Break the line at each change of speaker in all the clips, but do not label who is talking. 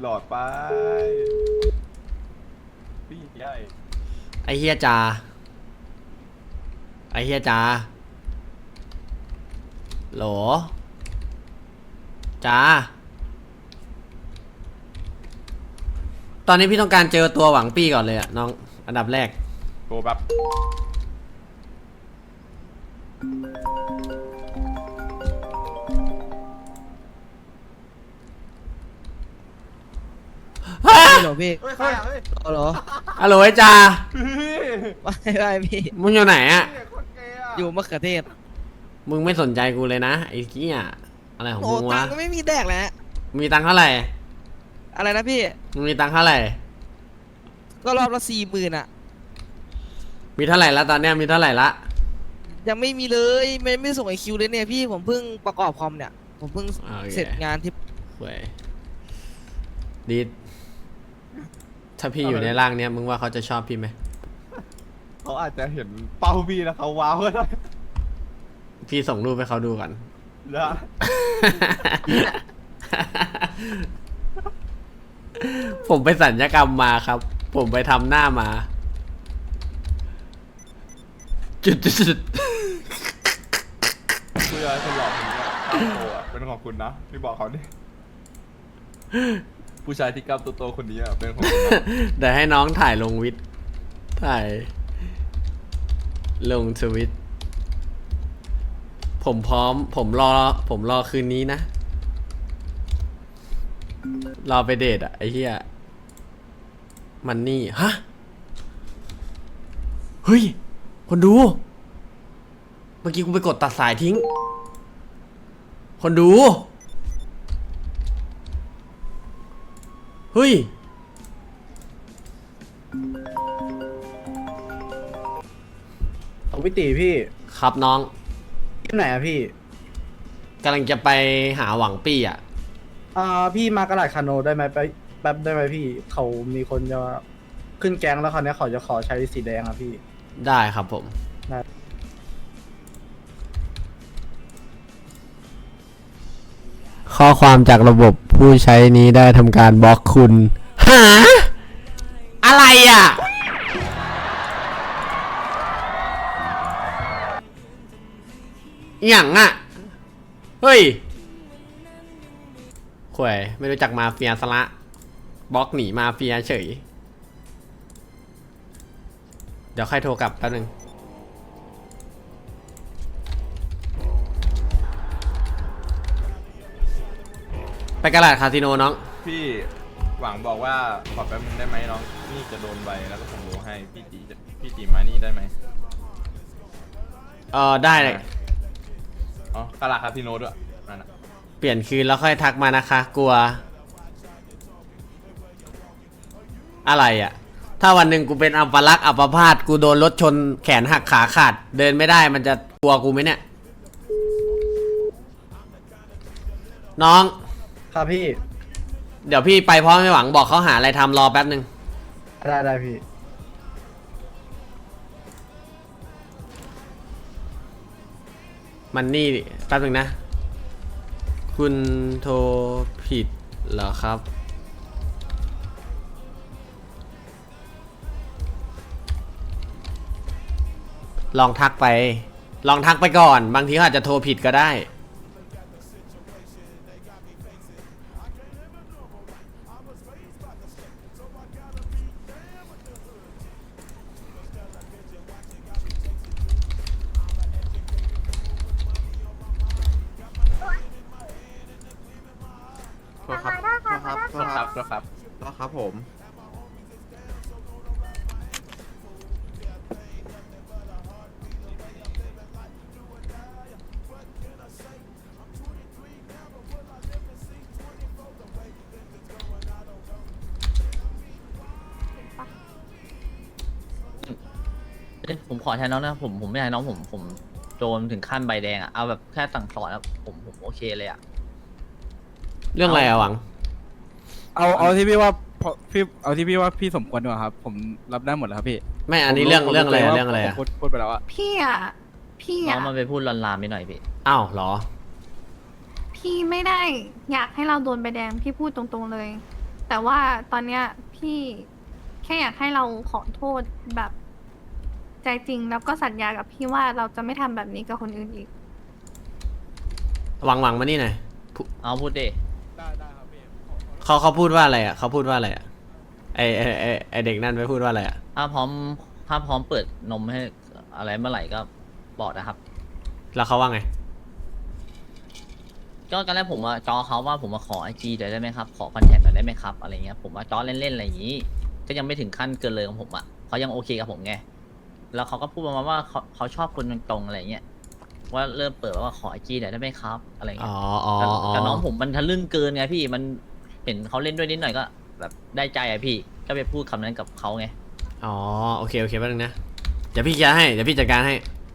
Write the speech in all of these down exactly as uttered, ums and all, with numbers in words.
หลอดไปพี่ใหญ่
ไอเฮียจ่าไอเฮียจ่าโหลจ่าตอนนี้พี่ต้องการเจอตัวหวังปี้ก่อนเลยอะน้องอันดับแรก
โทรแบบ
หรอพี่
เฮ้ยใครอ่ะเฮ้ย
เหรอ
ฮัลโหลไอจ่า
ไม่ไม่พี่
มึงอยู่ไหนอะ
อยู่มะเขือเทศ
มึงไม่สนใจกูเลยนะไอ้เหี้ยอะไรของ
โอ้
มึง
ตั
วะ
งก็ไม่มีแดกแล้ว
มีตังค์เท่าไหร่
อะไรนะพี่
มึงมีตังค์เท่าไหร่
ก็รอบละสี่หมื่นอะ
มีเท่าไหร่ละตอนเนี้ยมีเท่าไหร่ละ
ยังไม่มีเลยไม่ไม่ส่งไอคิวเลยเนี่ยพี่ผมเพิ่งประกอบคอมเนี่ยผมเพิ่งเสร็จงานที่
เว้ยดีถ้าพี่อยู่ในร่างเนี้ยมึงว่าเขาจะชอบพี่ไหม
เขาอาจจะเห็นเป้าพี่แล้วเขาว้าวก็ได้
พี่ส่งรูปให้เขาดูก่อน
นะ
ผมไปสัญญกรรมมาครับ ผมไปทำหน้ามา จุดจุด
เพื่อคนหลอกคนนี้กล้ามโตอ่ะเป็นของคุณนะพี่บอกเขาดิผู้ชายที่กล้ามโตๆคนนี้อ่ะเป็นของคุณนะ
เดี๋ยวให้น้องถ่ายลงวิทถ่ายลงทวิตผมพร้อมผมรอผมรอคืนนี้นะรอไปเดทอะไอ้เหี้ยมันนี่ฮะเฮ้ยคนดูเมื่อกี้กูไปกดตัดสายทิ้งคนดูเฮ้ย
ของพี่ตีพี่
ครับน้อง
ที่ไหนอะพี่
กำลังจะไปหาหวังปี้อ่ะ
อ่าพี่มากระดาษคาโนได้ไหมไปแป๊บได้ไหมพี่เขามีคนจะขึ้นแก๊งแล้วคราวนี้เขาจะขอใช้สีแดงอะพี่
ได้ครับผม
ได้
ข้อความจากระบบผู้ใช้นี้ได้ทำการบล็อกคุณหาอะไรอ่ะอย่างอ่ะเฮ้ยข่วยไม่รู้จักมาเฟียสละบล็อกหนีมาเฟียเฉยเดี๋ยวใครโทรกลับแป๊บนึงไปกระดาษคาสิโนน้อง
พี่หวังบอกว่าขอแป๊บนึงได้ไหมน้องนี่จะโดนใบแล้วก็ผมรู้ให้พี่ตีจะพี่ตีมานี่ได้ไหม
เออได้เลย
อ๋อกระลาคาสิโนด้วยนั่นน่ะ
เปลี่ยนคืนแล้วค่อยทักมานะคะกลัวอะไรอ่ะถ้าวันหนึ่งกูเป็นอัปลักษณ์อัปพาตกูโดนรถชนแขนหักขาขาดเดินไม่ได้มันจะกลัวกูไหมเนี่ยน้อง
ครับพี่
เดี๋ยวพี่ไปพร้อมไม่หวังบอกเขาหาอะไรทำรอแป๊บนึง
ได้ได้พี่
มันนี่แป๊บนึงนะคุณโทรผิดเหรอครับลองทักไปลองทักไปก่อนบางทีเขาอาจจะโทรผิดก็ได้
ครับครับครับครับครับผม
ผมขอแทนน้องนะผมผมไม่อยากให้น้องผมผมโดนถึงขั้นใบแดงอะเอาแบบแค่สั่งสอนแล้วผมผมโอเคเลยอะ
เรื่องอะไรอะหวัง
เอาเอาที่พี่ว่าพี่เอาที่พี่ว่าพี่สมควรดีกว่าครับผมรับได้หมดแล้วครับพี่
ไม่อันนี้เรื่องเรื่องอะไรเรื่องอะไรอะ
พูดพูดไปแล้วอะ
พี่อะพี่
น้อ
อะ
งมันไปพูดลามๆไปหน่อยพี่
อ้าวเหรอ
พี่ไม่ได้อยากให้เราโดนใบแดงพี่พูดตรงๆเลยแต่ว่าตอนเนี้ยพี่แค่อยากให้เราขอโทษแบบใจจริงแล้วก็สัญญากับพี่ว่าเราจะไม่ทำแบบนี้กับคนอื่นอีก
หวังหวังมานี่หน่อย
เอาพูดดิ
ได้ได้ครับพี่ขอขอโทษ
เขาเขาพูดว่าอะไรอ่ะเขาพูดว่าอะไรอ่ะไอไอไอไอเด็กนั่นไปพูดว่าอะไรอ่ะ
ถ้าพร้อมถ้าพร้อมเปิดนมให้อะไรเมื่อไหร่ก็บอกนะครับ
แล้วเขาว่าไง
ก็ตอนแรกผมว่าจอเขาว่าผมมาขอไอจีได้ไหมครับขอคอนแทคหน่อยได้ไหมครับอะไรเงี้ยผมว่าจอเล่นๆอะไรอย่างนี้ ก็ยังไม่ถึงขั้นเกินเลยของผมอ่ะเขายังโอเคกับผมไงแล้วเขาก็พูดประมาณว่าเขาเขาชอบคนตรงๆอะไรเงี้ยว่าเริ่มเปิดว่าขอไอจีหน่อยได้ไหมครับอะไร
อ๋
เงี้
อย อ๋อ
แต่
อ๋อ
แต่น้องผมมันทะลึ่งเกินไงพี่มันเห็นเขาเล่นด้วยนิดหน่อยก็แบบได้ใจอะพี่ก็ไปพูดคำนั้นกับเขาไง
อ๋อโอเคโอเคแป๊บนึงนะเดี๋ยวพี่เคลียร์ให้เดี๋ยวพี่จัดการให้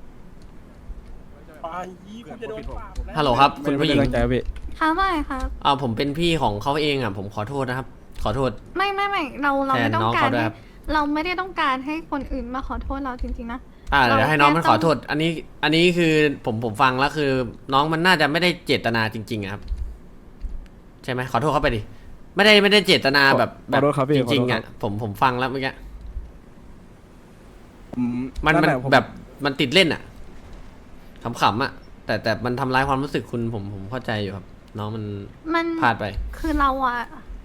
ไปยี่คุณจะโดนปรับนะ
ฮัลโหลครับคุณผู้หญิง
ไม่ได้ตั้งใจครับพี่
ค่ะไม่ครับ
อ่าผมเป็นพี่ของเขาเองอ่ะผมขอโทษนะครับ ขอโทษ
ไม่ไม่ไม่เราเรา
แทน
ไม่ต้อ
น้อง
งการ
เขาด้วย
ให้
ครับ
เราไม่ได้ต้องการให้คนอื่นมาขอโทษเราจริงๆนะ
อ่าเดี๋ยว
เรา
ให้น้องมัน
แค่
ข
ต้
อ
อง
โทษ อันนี้อันนี้คือผมผมฟังแล้วคือ น้องมันน่าจะไม่ได้เจตนาจริงๆอะครับ ใช่ไหมขอโทษเขาไปดิไม่ได้ไม่ได้เจตนาแบบแบ
ข
บ
อโทษครับพี่
จ
ขอ
ริง
โทษ
ๆ
ค
อ่ะ
รับ
ผมผมฟังแล้วเมื่อกี้
อื
มันมัน
แหละผ
แบบมันติดเล่นอ่ะขำๆอ่ะ แต่แต่มันทำร้ายความรู้สึกคุณผมผมเข้าใจอยู่ครับ น้องมัน
มัน
พลาดไป
คือเราอะ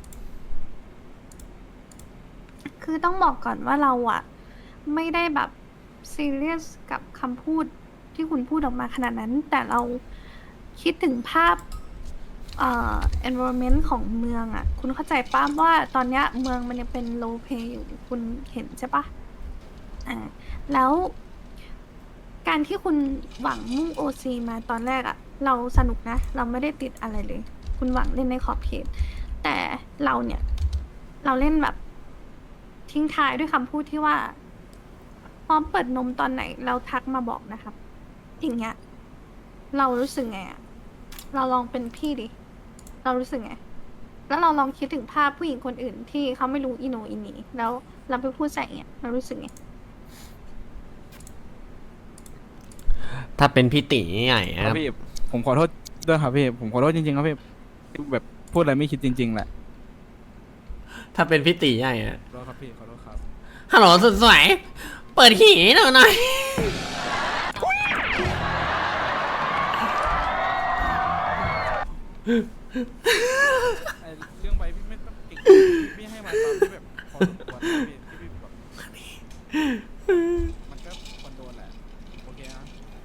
คือต้องบอกก่อนว่าเราอะไม่ได้แบบซีเรียสกับคำพูดที่คุณพูดออกมาขนาดนั้น แต่เราคิดถึงภาพเอ่อ environment ของเมืองอะคุณเข้าใจป้าว่าตอนเนี้ยเมืองมันยังเป็น low pay อยู่คุณเห็นใช่ปะอ่าแล้วการที่คุณหวังมุ่ง โอ ซี มาตอนแรกอะเราสนุกนะ เราไม่ได้ติดอะไรเลย คุณหวังเล่นในขอบเขต แต่เราเนี่ย เราเล่นแบบทิ้งท้ายด้วยคำพูดที่ว่า พร้อมเปิดนมตอนไหน เราทักมาบอกนะครับ อย่างเงี้ย เรารู้สึกไงอะเราลองเป็นพี่ดิ เรารู้สึกไง แล้วเราลองคิดถึงภาพผู้หญิงคนอื่นที่เขาไม่รู้อีโหนอีหนีแล้วเราไปพูดใส่เงี้ยเรารู้สึกไง
ถ้าเป็นพี่ตีใหญ่
ค
ค
รั
รั
บบ พี่ผมขอโทษด้วยครับพี่ผมขอโทษจริงๆครับพี่แบบพูดอะไรไม่คิดจริง ๆแหละ
ถ้าเป็นพี่ตีใหญ่อะ
ขอโทษครับพี่ขอโทษครับ
ฮัลโหลสุดสวยเปิดหีหน่อยหน่อย
ไอ้เรื่องใบพี่ไม่ต้องเก่งพี่ให้มาตามที่แบบพอสมควรนะพี่ที่พี่แบบมันก็ควรโดนแหละโอเคนะ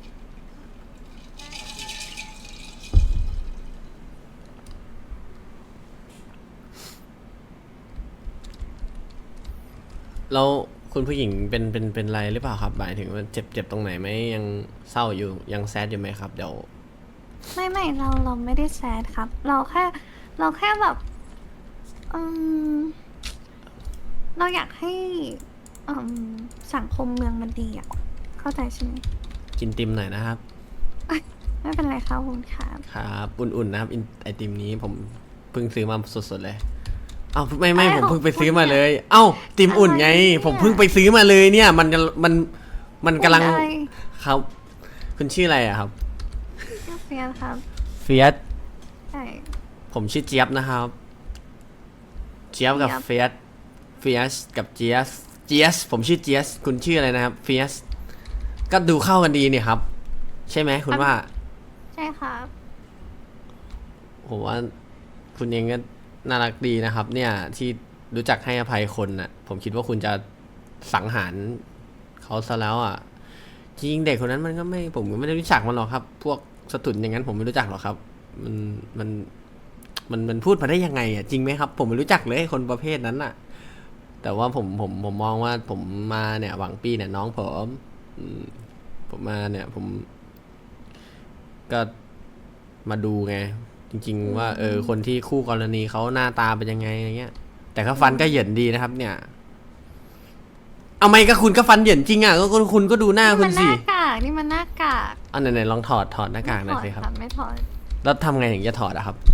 แล้วคุณผู้หญิงเป็นเป็นเป็นไรหรือเปล่าครับหมายถึงว่าเจ็บเจ็บตรงไหนไหมยังเศร้าอยู่ยังแซดอยู่ไหมครับเดี๋ยว
ไม่ไม่เราเราไม่ได้แซดครับ เราแค่ เราแค่แบบอืมเราอยากให้อืมสังคมเมืองมันดีอ่ะ เข้าใจใช่ไหม
กินติมหน่อยนะครับ
ไม่เป็นไรครับคุณครับ
ครับอุ่นๆนะครับอินไอติมนี้ผมเพิ่งซื้อมาสดๆเลยเอ้าไม่ไม่
อะไร
ผม
ของ
เพิ่งไปซื้อ
คุณ
มา
เนี่ย
เลย เอ้าติมอุ่นไง
อะไรเนี่ย
ผมเพิ่งไปซื้อมาเลยเนี่ย มันจะมันมันกำลัง
อะไร
ครับ คุณชื่ออะไรอะครับ
ชื่อเฟียสครับ
เฟียส
ใช่
ผมชื่อเจี๊ยบนะครับ เจี๊ยบกับ
เจี๊
เฟีย
ยบ
สเฟียสกับเจี๊ยสเจี๊ยสผมชื่อเจี๊ยสคุณชื่ออะไรนะครับเฟียสก็ดูเข้ากันดีเนี่ยครับ ใช่ไหมคุณว่า
ใช่ครับ
ผมว่าคุณเองก็น่ารักดีนะครับ เนี่ยที่รู้จักให้อภัยคนน่ะ ผมคิดว่าคุณจะสังหารเขาซะแล้วอ่ะจริงๆเด็กคนนั้นมันก็ไม่ผมก็ไม่ได้รู้จักมันหรอกครับ พวกสตุนอย่างนั้นผมไม่รู้จักหรอกครับ มันมันมันมันพูดมาได้ยังไงอ่ะจริงไหมครับ ผมไม่รู้จักเลยคนประเภทนั้นอ่ะ แต่ว่าผมผมผมมองว่าผมมาเนี่ย หวังปีเนี่ยน้องผมอืมผมมาเนี่ย ผม ก็มาดูไง จริง ๆ ว่าเออคนที่คู่กรณีเขาหน้าตาเป็นยังไงอะไรเงี้ย แต่ก็ฟันก็เหยินดีนะครับ เนี่ย เอาไม่ก็คุณก็ฟันเหยินจริงอ่ะก็ก็คุณก็ดูหน้า
นี่
คุ
มั
ณ
นห
สิ
น้ากากนี่มันหน้ากาก
อันไหนๆลองถอดถอดหน้ากากหน่อยสิครับ
ไม่ถอด
แล้วทำไงถึงจะถอดอะครับ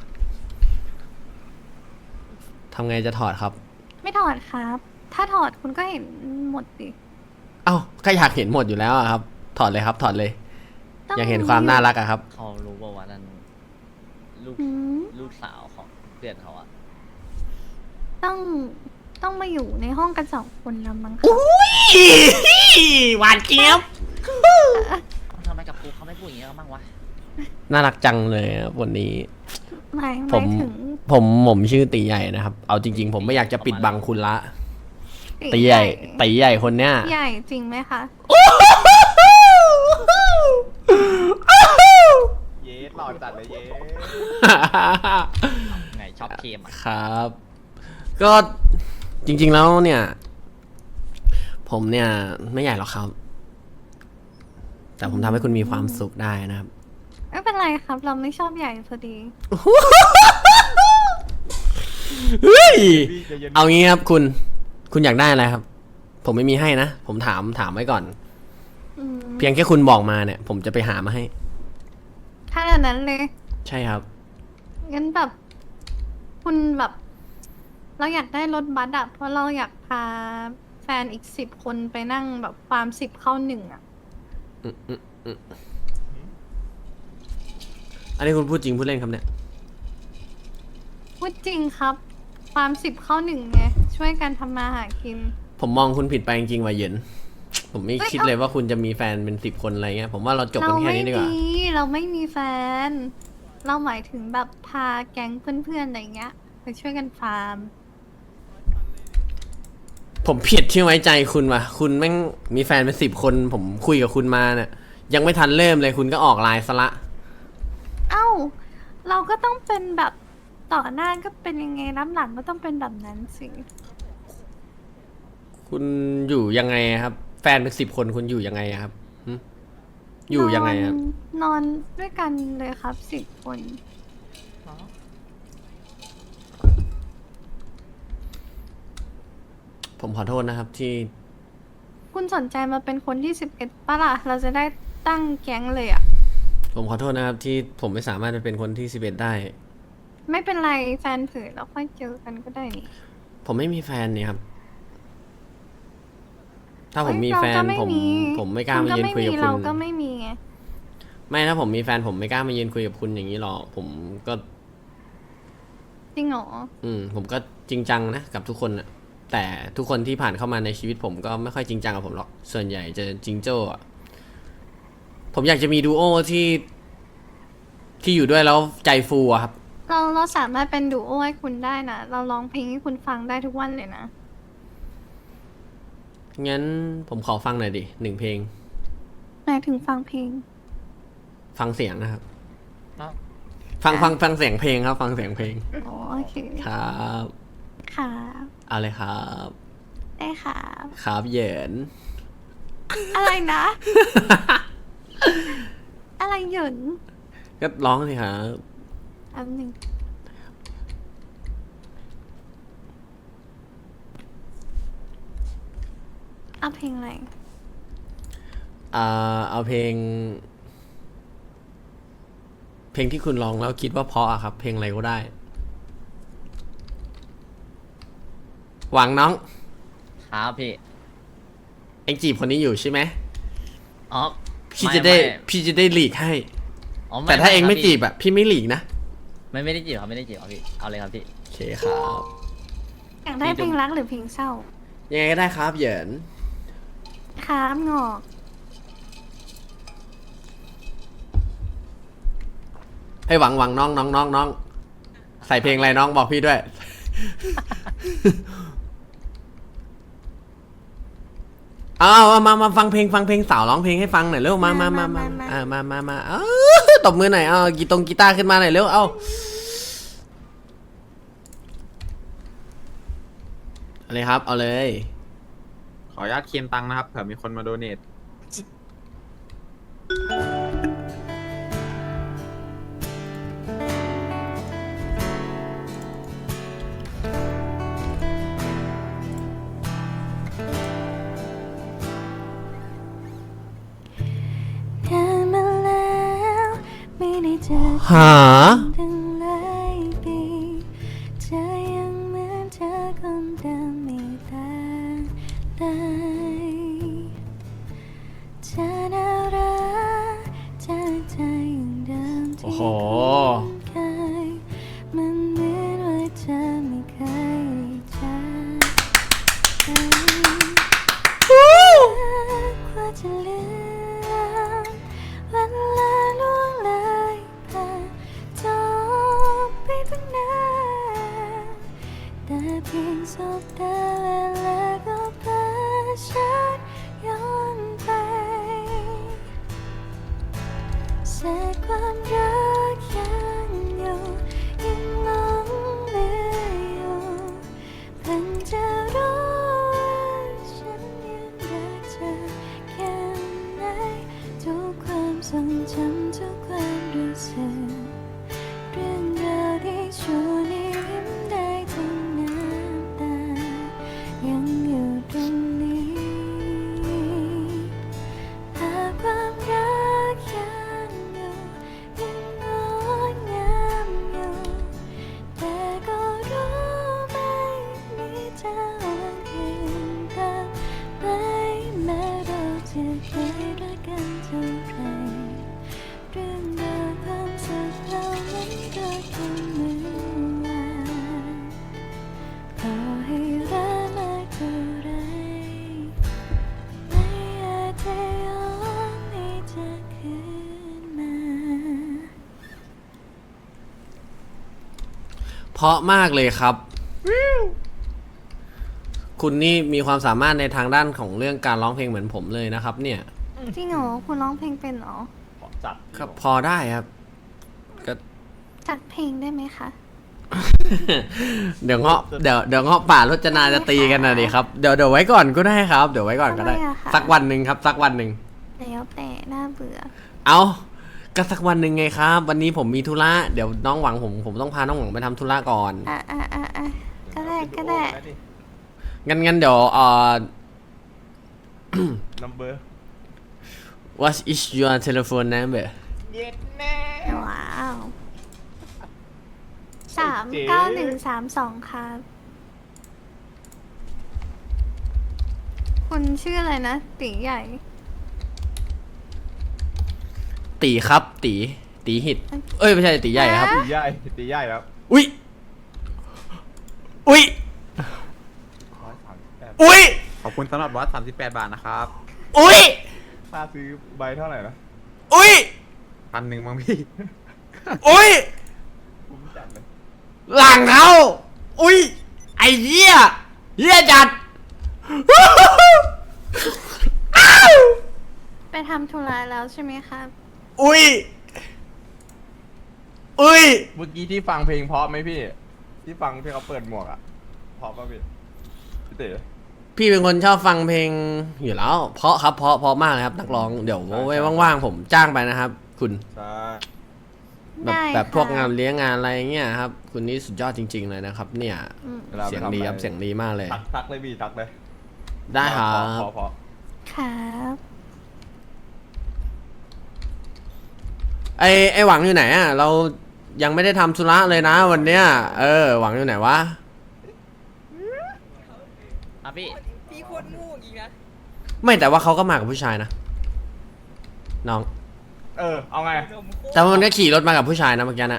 ทำไงจะถอดครับ
ไม่ถอดครับ ถ้าถอดคุณก็เห็นหมดดิ
เอ้าก็อยากเห็นหมดอยู่แล้วอะครับ ถอดเลยครับ ถอดเลย
ต้ง
อยากเห็นความน่ารักอะครับ
เขารู้ว่าวันนั้นลูก
อืม
ลูกสาวของเพื่อนเขาอะ
ต้องต้องมาอยู่ในห้องกันสองคนแล้วมั้งคะ
หวานเจี๊ยบ
ทำไมกับกูเขาไม่พูดอย่างนี้กันบ้างวะ
น่ารักจังเลยครับวันนี้
หมายห
ผม
มายถึง
ผมผมชื่อตีใหญ่นะครับ เอาจริง ๆ ผมไม่อยากจะปิดบังคุณละ ตีใหญ่ตีใหญ่คนเนี้ย
ใหญ่จริงไหมคะ
เย้หล่อจัดเลยเย้
ไงชอบเคมอ่ะ
ครับ ก็จริง ๆแล้วเนี่ย ผมเนี่ยไม่ใหญ่หรอกครับ แต่ผมทำให้คุณมีความสุขได้นะครับ
ไม่เป็นไรครับ เราไม่ชอบใหญ่พอดี
เฮ้ย
พี่ใจเย็น
เอางี้ครับคุณ คุณอยากได้อะไรครับ ผมไม่มีให้นะ ผมถามถามไว้ก่อน
อืม
เพียงแค่คุณบอกมาเนี่ย ผมจะไปหามาให้
ขนาดนั้นเลย
ใช่ครับ
งั้นแบบ คุณแบบ เราอยากได้รถบัสอะเพราะเราอยากพาแฟนอีกสิบคนไปนั่งแบบฟาร์มสิบเข้าหนึ่งอะ
อืมอืมอืมอันนี้คุณพูดจริงพูดเล่นครับเนี่ย
พูดจริงครับฟาร์มสิบเข้าหนึ่งไง ช่วยกันทำมาหากิน
ผมมองคุณผิดไปจริงๆว่ะเหยิน ผมไม่
เอ้ย
คิดเลยว่าคุณจะมีแฟนเป็นสิบคนอะไรเงี้ย ผมว่าเราจบ
เรา
กันแค่
ไม่
นี้ดีกว่า
มี เราไม่มีแฟน เราหมายถึงแบบพาแก๊งเพื่อนๆอะไรเงี้ยไปช่วยกันฟาร์ม
ผมผิดที่ไว้ใจคุณว่ะ คุณแม่งมีแฟนเป็นสิบคน ผมคุยกับคุณมาเนี่ย ยังไม่ทันเริ่มเลยคุณก็ออกไลน์ซะละ
เอ้า เราก็ต้องเป็นแบบต่อหน้าก็เป็นยังไงน้ำหลังก็ต้องเป็นแบบนั้นสิ
คุณอยู่ยังไงครับ แฟนเป็นสิบคนคุณอยู่ยังไงครับหึอยู่ยังไงครับ
นอนนอนด้วยกันเลยครับสิบคน
ผมขอโทษนะครับที่
คุณสนใจมาเป็นคนที่สิบเอ็ดปะล่ะ เราจะได้ตั้งแก๊งเลยอะ
ผมขอโทษนะครับที่ผมไม่สามารถจะเป็นคนที่สิบเอ็ดได้
ไม่เป็นไรแฟนเผยแล้วค่อยเจอกันก็ได้นี่
ผมไม่มีแฟนเนี่ยครับ ถ้าผม
เอ้ย
มีแฟน
เราก็ไม่
ผม
มี
ผมไม่กล้า
คุณ
มายืนคุยกับ
ไม่มี
คุ
เรา
ณ
ก็ไม่มีไง
ไม่ถ้าผมมีแฟนผมไม่กล้ามายืนคุยกับคุณอย่างนี้หรอกผมก็
จริงเหรอ
อืมผมก็จริงจังนะกับทุกคนนะแต่ทุกคนที่ผ่านเข้ามาในชีวิตผมก็ไม่ค่อยจริงจังกับผมหรอกส่วนใหญ่จะจริงโจ้อะผมอยากจะมีดูโอที่ที่อยู่ด้วยแล้วใจฟูอะครับ
เราเราสามารถเป็นดูโอให้คุณได้นะ เราร้องเพลงให้คุณฟังได้ทุกวันเลยนะ
งั้นผมขอฟังหน่อยดิหนึ่งเพลง
หมายถึงฟังเพลง
ฟังเสียงนะครับ
ครับ
ฟังฟังฟังเสียงเพลงครับ ฟังเสียงเพลง
อ๋อโอเค
ครับ
ค่ะ
เอาเลยครับ
ได้ค่ะ
ครับเหยิน
อะไรนะ อะไรหยุน
ก็ร้องสิครับ
อันหนึ่งเอาเพลงอะไร
อ่าเอาเพลง เพลงที่คุณร้องแล้วคิดว่าเพราะอะครับ เพลงอะไรก็ได้ หวังน้อง
ครับพี่
เอ็งจีบคนนี้อยู่ใช่ไหม
อ๋อ
พี่จะได้
ม่ม่
พี่จะได้หลีกให้
อ๋อไม่
แต่ถ้าเอ็งไม่
ครับ
จี
พี่
บอะพี่ไม่หลีกนะ
ไม่ไม่ได้จีบครับไม่ได้จีบครับพี่เอาเลยครับพี่
โอเคครับ
อยากได้เพลงรักหรือเพลงเศร้า
ยังไงก็ได้ครับเหยิน
ครับงอก
ให้หวังหวังน้องน้องน้องน้องใส่เพลงอะไรน้องบอกพี่ด้วย เอาเอามามาฟังเพลงฟังเพลงสาวร้องเพลงให้ฟังหน่อยเร็วมามามามาอ่ามามามาเออตบมือหน่อยเอากีตงกีตาร์ขึ้นมาหน่อยเร็วเอาเอาเลยครับเอาเลย
ขออนุญาตเคียนตังค์นะครับเผื่อมีคนมาโดเนท
นานมาแล้วไม่ได้เจอ
หา
ตั้งหลายปีเธอยังเหมือนเธอคนเดิมไม่ต่างเลยเธอน่ารักเธอใจอย่างเดิม
โอ้
ที่
โห
เคยมันเหมือนว่าเธอไม่เคยเจอเพียงสบตาเวลาก็พาฉันย้อนไปแสงความรักยังอยู่ยังหลงเหลืออยู่เพิ่งจะรู้ว่าฉันยังรักเธอแค่ไหนทุกความทรงจำทุกความรู้สึกเรื่องราวที่ชวนให้ยิ้มได้ทั้งน้ำตายังอยู่ตรงนี้หากความรักยังอยู่ยังงดงามอยู่แต่ก็รู้ไม่มีทางเห็นต่างไหมแม้เราจะเคยรักกันเท่าไรเรื่องราวความสุขเรานั้นก็แค่เมื่อวานต่อให้รักมากเท่าไรไม่อาจจะย้อนให้เธอคืนมา
เพราะมากเลยครับ คุณนี่มีความสามารถในทางด้านของเรื่องการร้องเพลงเหมือนผมเลยนะครับ เนี่ย
จริงเหรอคุณร้องเพลงเป็นเหรอ
จัด
ครับพอได้ครับก็
จัดเพลงได้ไหมคะ
เดี๋ยวเงาะเดี๋ยวเดี๋ยวเงาะป่ารจนาจะตีกันนะดิครับเดี๋ยวเดี๋ยวไว้ก่อนก็ได้ครับเดี๋ยวไว้ก่อนก็ได้
ทำไมอะคะ
สักวันหนึ่งครับ สักวันหนึ่ง
แล้วแต่น่าเบื่อ
เอาก็สักวันหนึ่งไงครับ วันนี้ผมมีธุระเดี๋ยวน้องหวังผมผมต้องพาน้องหวังไปทำธุระก่อน
อ่ะอ่ะอ่ะอ่ะก็ได้ก็ได้
งั้นงั้นเดี๋ยวเอ่อ
นัมเบอร์
what is your telephone number
ว้าวสามเก้าหนึ่งสามสองครับ คุณชื่ออะไรนะ ตีใหญ่
ตีครับ ตีตีหิตเอ้ยไม่ใช่ตีใหญ่ครับ
ฮะ
ตีใหญ่ตีใหญ่ครับ
อุ้ยอุ้ย
ร้อยสามสิบแปด
อุ้ย
ขอบคุณสำหรับวัดสามสิบแปดบาทนะครับ
อุ้ย
ค่าซื้อใบเท่าไหร่นะ
อุ้ย
พันหนึ่งมั้งพี่
อุ้ย
คุ้มจัดเลย
หลังเขาอุ้ยไอ้เหี้ยเหี้ยจัด อ้าว
ไปทำธุระแล้วใช่ไหมครับ
อุ้ยอุ้ย
เมื่อกี้ที่ฟังเพลงเพราะไหมพี่ ที่ฟังที่เขาเปิดหมวกอ่ะเพราะป่ะพี่พี่เต๋อ
พี่เป็นคนชอบฟังเพลงอยู่แล้ว เพราะครับเพราะเพราะมากเลยครับนักร้องเดี๋ยวไว้ว่างๆผมจ้างไปนะครับ คุณ
ใช่
แบบ
ได้
แบบพวก
ค่ะ
งานเลี้ยงงานอะไรเงี้ยครับ คุณนี่สุดยอดจริง ๆ เลยนะครับ เนี่ย
อืม
วลาไป
เสียง
ทำ
ดี
อะไ
ครับเสียงดีมากเลย
ทักทักเลยพี่ทักเลย
ได้ครั
เพราะ
บ
เพราะ
ครับ
ไอไอหวังอยู่ไหนอ่ะเรายังไม่ได้ทำธุระเลยนะวันเนี้ยเออหวังอยู่ไหนวะ
อ่ะพี่
พี่คนงูอีกนะ
ไม่แต่ว่าเขาก็มากับผู้ชายนะน้อง
เออเอาไง
แต่ว่ามันก็ขี่รถมากับผู้ชายนะเมื่อกี้นะ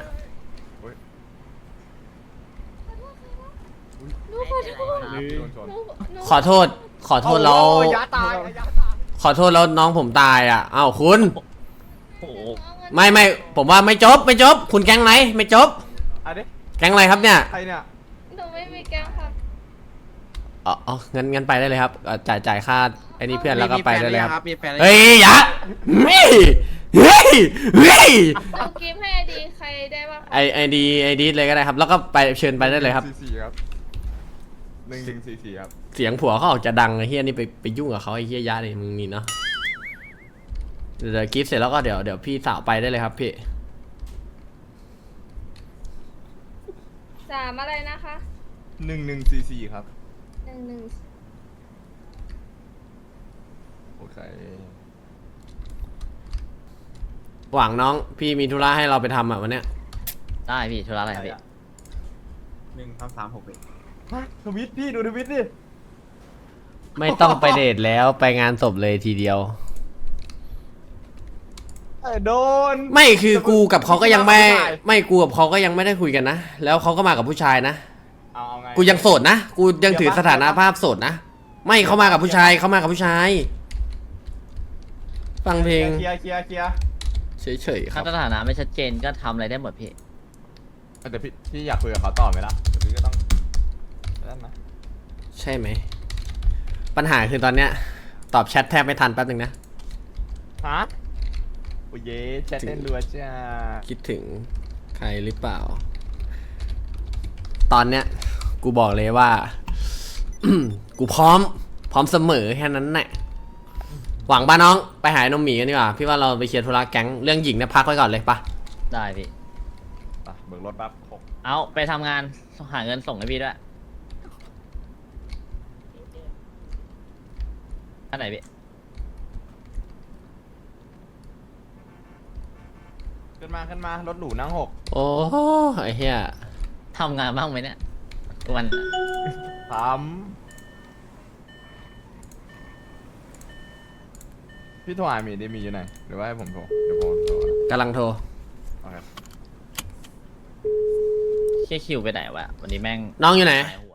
พี่โดนชน
ขอโทษ ขอโทษแล้ว
โอ้ยยาตายยาตาย
ขอโทษแล้วน้องผมตายอ่ะอ้าวคุณ
โอ้โห
ไม่ไม่ผมว่าไม่จบไม่จบ คุณแก๊งไหนไม่จบ
อ่ะดิ
แก๊งอะไรครับเนี่ย
ใครเนี่ย
หนูไม่มีแก้วครับ
อ๋ออ๋องั้นงั้นไปได้เลยครับเอ่อจ่ายจ่ายค่าไอ้นี่เพื่อนแล้วก็ไปได้เลยครับ
มีแฟนหรือยังครับ
เฮ้ยอย่าเฮ้ยเฮ้ยเฮ้ย
หนูกิฟต์ให้ไอดีใครได้บ้างคะ
ไอไอดีไอดีเลยก็ได้ครับ แล้วก็ไปเชิญไปได้เลยครับ
สี่สี่ครับหนึ่งหนึ่งสี่สี่ครับ
เสียงผัวเขาออกจะดังไอ้เฮียนี่ไปไปยุ่งกับเขาไอ้เฮียยะเลยมึงนี่เนาะเดี๋ยวกิฟต์เสร็จแล้วก็เดี๋ยวเดี๋ยวพี่สาวไปได้เลยครับพี่
สามอะไรนะคะ
หนึ่งหนึ่งสี่สี่ครับ
หนึ่งหนึ่ง
โอเค
หวังน้องพี่มีธุระให้เราไปทำอ่ะวันเนี้ย
ได้พี่ธุระอะไรครับพี่
หนึ่งสามสามหกเอ็ด
ทวิตพี่ดูทวิตดิ
ไม่ต้องไปเดทแล้วไปงานศพเลยทีเดียว
เออโดน
ไม่คือกูกับเขาก็ยังไม่ไม่กูกับเขาก็ยังไม่ได้คุยกันนะแล้วเขาก็มากับผู้ชายนะ
เอาเอาไง
กูยังโสดนะกูยังถือสถานะภาพโสดนะไม่เขามากับผู้ชายเขามากับผู้ชาย ฟังเพลง
เคลียร์เคลียร์เคลียร์
เฉยๆค
ถ้า
รับ
สถานะไม่ชัดเจนก็ทำอะไรได้หมดพี่
แต่พี่พี่อยากคุยกับเขาต่อไหมล่ะแต่พี่ก็ต้องนั่นนะ
ใช่ไหม ปัญหาคือตอนเนี้ย ตอบแชทแทบไม่ทันแป๊บนึงนะ
ฮะโอ้ยแชทเล่นรัวจ้า
คิดถึงใครหรือเปล่า ตอนเนี้ย กูบอกเลยว่า กูพร้อม พร้อมเสมอแค่นั้นแหละหวังป่ะน้องไปหานมหมีกันดีกว่า พี่ว่าเราไปเคลียร์ธุระแก๊งเรื่องหญิงเนี่ยพักไว้ก่อนเลยปะ
ได้พี่
ไปเบิกรถปั๊บหก
เอาไปทำงานหาเงินส่งให้พี่ด้วยอันไหนพี่
ขึ้นมาขึ้นมารถหรูนั่งหก
โอ้ไอ้เหี้ย
ทำงานบ้างไหมเนี่ยวัน
สามพี่โทรหาหมีดิมีอยู่ไหนหรือว่าให้ผมโทรเดี๋ยวผมโทร
กำลังโทร
โอเค
แค่คิวไปไหนวะวันนี้แม่ง
น้องอยู่ไหน
หายหัว